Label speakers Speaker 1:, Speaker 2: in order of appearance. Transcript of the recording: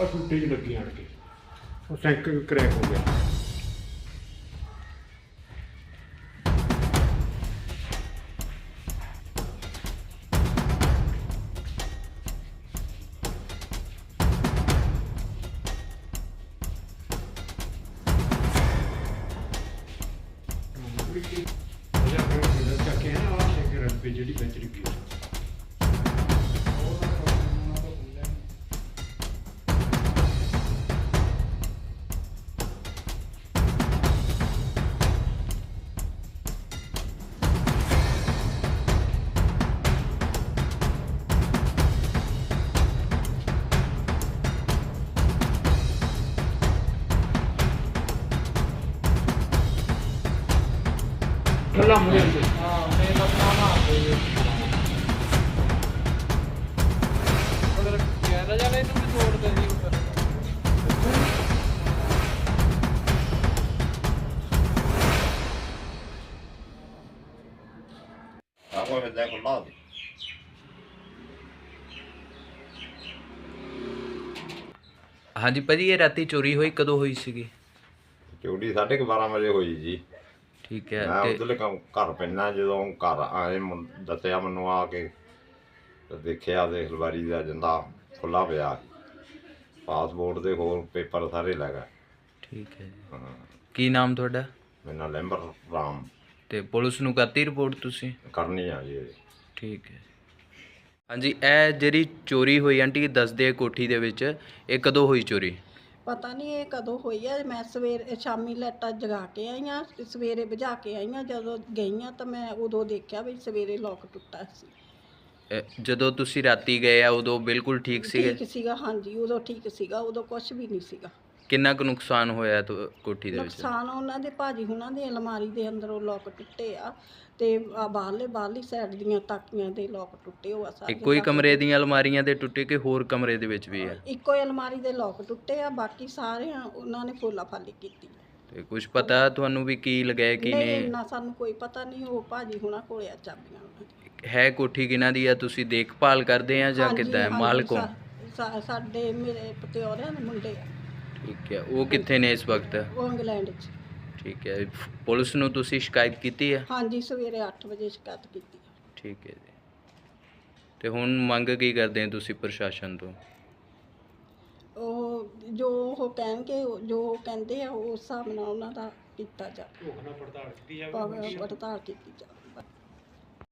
Speaker 1: और टूटे च लगी आन के और सैंक क्रैक हो गया। ਜਿਹੜੀ ਵਿੱਚ ਲੱਗੀ ਕੱਲਾ ਮੁੰਡੇ ਹਾਂ ਤੇ ਲੱਤਾਂ ਮਾਰ ਦੇ ਉਹਦਾ ਕਹਿ ਜਾ ਲੈ ਤੂੰ ਛੋੜ ਦੇ ਦੀ ਉੱਪਰ
Speaker 2: ਆਹੋ ਇਹਦਾ ਕੋਲ ਲਾ
Speaker 3: ਹਾਂਜੀ ਭਾਜੀ, ਇਹ ਰਾਤੀ ਚੋਰੀ ਹੋਈ ਕਦੋਂ ਹੋਈ ਸੀਗੀ?
Speaker 2: ਚੋਰੀ 12:30 ਵਜੇ ਹੋਈ ਜੀ।
Speaker 3: ਠੀਕ ਹੈ।
Speaker 2: ਮੈਂ ਉਧਰਲੇ ਘਰ ਪੈਣਾ, ਜਦੋਂ ਘਰ ਆਏ ਦੱਸਿਆ ਮੈਨੂੰ ਆ ਕੇ ਤੇ ਦੇਖਿਆ ਤੇ ਅਲਮਾਰੀ ਦਾ ਜਿੰਦਾ ਖੁੱਲਾ ਪਿਆ, ਪਾਸਪੋਰਟ ਦੇ ਹੋਰ ਪੇਪਰ ਸਾਰੇ ਲੈ ਗਏ।
Speaker 3: ਠੀਕ ਹੈ ਜੀ।
Speaker 2: ਹਾਂ,
Speaker 3: ਕੀ ਨਾਮ ਤੁਹਾਡਾ?
Speaker 2: ਮੇਰਾ ਲੈਂਬਰ ਰਾਮ।
Speaker 3: ਤੇ ਪੁਲਿਸ ਨੂੰ ਕਰਤੀ ਰਿਪੋਰਟ ਤੁਸੀਂ?
Speaker 2: ਕਰਨੀ ਆ ਜੀ।
Speaker 3: ਠੀਕ ਹੈ। ਹਾਂਜੀ, ਇਹ ਜਿਹੜੀ ਚੋਰੀ ਹੋਈ ਆਂਟੀ ਦੱਸਦੇ ਆ ਕੋਠੀ ਦੇ ਵਿੱਚ, ਇਹ ਕਦੋਂ ਹੋਈ ਚੋਰੀ?
Speaker 4: ਪਤਾ ਨਹੀਂ ਇਹ ਕਦੋਂ ਹੋਈ ਹੈ। ਮੈਂ ਸ਼ਾਮੀ ਲਾਈਟਾਂ ਜਗਾ ਕੇ ਆਈ ਹਾਂ, ਸਵੇਰੇ ਬੁਝਾ ਕੇ ਆਈ ਹਾਂ। ਜਦੋਂ ਗਈ ਹਾਂ ਤਾਂ ਮੈਂ ਉਦੋਂ ਦੇਖਿਆ ਵੀ ਸਵੇਰੇ ਲੋਕ ਟੁੱਟਾ ਸੀ।
Speaker 3: ਜਦੋਂ ਤੁਸੀਂ ਰਾਤੀ ਗਏ ਆ ਉਦੋਂ ਬਿਲਕੁਲ ਠੀਕ ਸੀਗੇ?
Speaker 4: ਠੀਕ ਸੀਗਾ, ਹਾਂਜੀ ਉਦੋਂ ਠੀਕ ਸੀਗਾ, ਉਦੋਂ ਕੁਝ ਵੀ ਨਹੀਂ ਸੀਗਾ।
Speaker 3: ਕਿੰਨਾ ਕੁ ਨੁਕਸਾਨ ਹੋਇਆ ਕੋਠੀ ਦੇ ਵਿੱਚ?
Speaker 4: ਨੁਕਸਾਨ ਉਹਨਾਂ ਦੇ ਭਾਜੀ ਹੁਣਾਂ ਦੇ ਅਲਮਾਰੀ ਦੇ ਅੰਦਰੋਂ ਲੋਕ ਟੁੱਟੇ ਆ ਤੇ ਬਾਹਰਲੀ ਸਾਈਡ ਦੀਆਂ ਤਾਕੀਆਂ ਦੇ ਲੋਕ ਟੁੱਟੇ ਹੋਆ ਸਾਰੇ।
Speaker 3: ਇੱਕੋ ਹੀ ਕਮਰੇ ਦੀਆਂ ਅਲਮਾਰੀਆਂ ਦੇ ਟੁੱਟੇ ਕਿ ਹੋਰ ਕਮਰੇ ਦੇ ਵਿੱਚ ਵੀ ਆ?
Speaker 4: ਇੱਕੋ ਹੀ ਅਲਮਾਰੀ ਦੇ ਲੋਕ ਟੁੱਟੇ ਆ, ਬਾਕੀ ਸਾਰੇ ਉਹਨਾਂ ਨੇ ਫੋਲਾ ਫਾਲੀ ਕੀਤੀ।
Speaker 3: ਤੇ ਕੁਝ ਪਤਾ ਤੁਹਾਨੂੰ ਵੀ ਕੀ ਲਗਾਇਆ ਕੀ
Speaker 4: ਨਹੀਂ,
Speaker 3: ਨਹੀਂ?
Speaker 4: ਇੰਨਾ ਸਾਨੂੰ ਕੋਈ ਪਤਾ ਨਹੀਂ। ਉਹ ਭਾਜੀ ਹੁਣਾਂ ਕੋਲੇ ਆ ਚਾਬੀਆਂ ਉਹਨਾਂ ਦੀਆਂ।
Speaker 3: ਹੈ ਕੋਠੀ ਕਿਹਨਾਂ ਦੀ ਆ? ਤੁਸੀਂ ਦੇਖਭਾਲ ਕਰਦੇ ਆ ਜਾਂ
Speaker 4: ਹਾਂਜੀ,
Speaker 3: ਕਿੱਦਾਂ?
Speaker 4: ਹਾਂਜੀ,
Speaker 3: ਮਾਲਕੋਂ?
Speaker 4: ਸਾਡੇ ਮੇਰੇ ਪਤਿਓਰਿਆਂ ਦੇ ਮੁੰਡੇ ਆ।
Speaker 3: ਠੀਕ ਹੈ। ਉਹ ਕਿੱਥੇ ਨੇ ਇਸ ਵਕਤ?
Speaker 4: ਉਹ ਇੰਗਲੈਂਡ 'ਚ।
Speaker 3: ਠੀਕ ਹੈ। ਪੁਲਿਸ ਨੂੰ ਤੁਸੀਂ ਸ਼ਿਕਾਇਤ ਕੀਤੀ ਹੈ?
Speaker 4: ਹਾਂਜੀ, ਸਵੇਰੇ 8 ਵਜੇ ਸ਼ਿਕਾਇਤ ਕੀਤੀ।
Speaker 3: ਠੀਕ ਹੈ ਜੀ। ਤੇ ਹੁਣ ਮੰਗ ਕੀ ਕਰਦੇ ਆ ਤੁਸੀਂ ਪ੍ਰਸ਼ਾਸਨ ਤੋਂ?
Speaker 4: ਉਹ ਜੋ ਉਹ ਕਹਿਣਗੇ, ਜੋ ਉਹ ਕਹਿੰਦੇ ਆ ਉਸ ਹਿਸਾਬ ਨਾਲ ਉਹਨਾਂ ਦਾ ਕੀਤਾ ਜਾਵੇ, ਪੜਤਾਲ ਕੀਤੀ ਜਾਵੇ।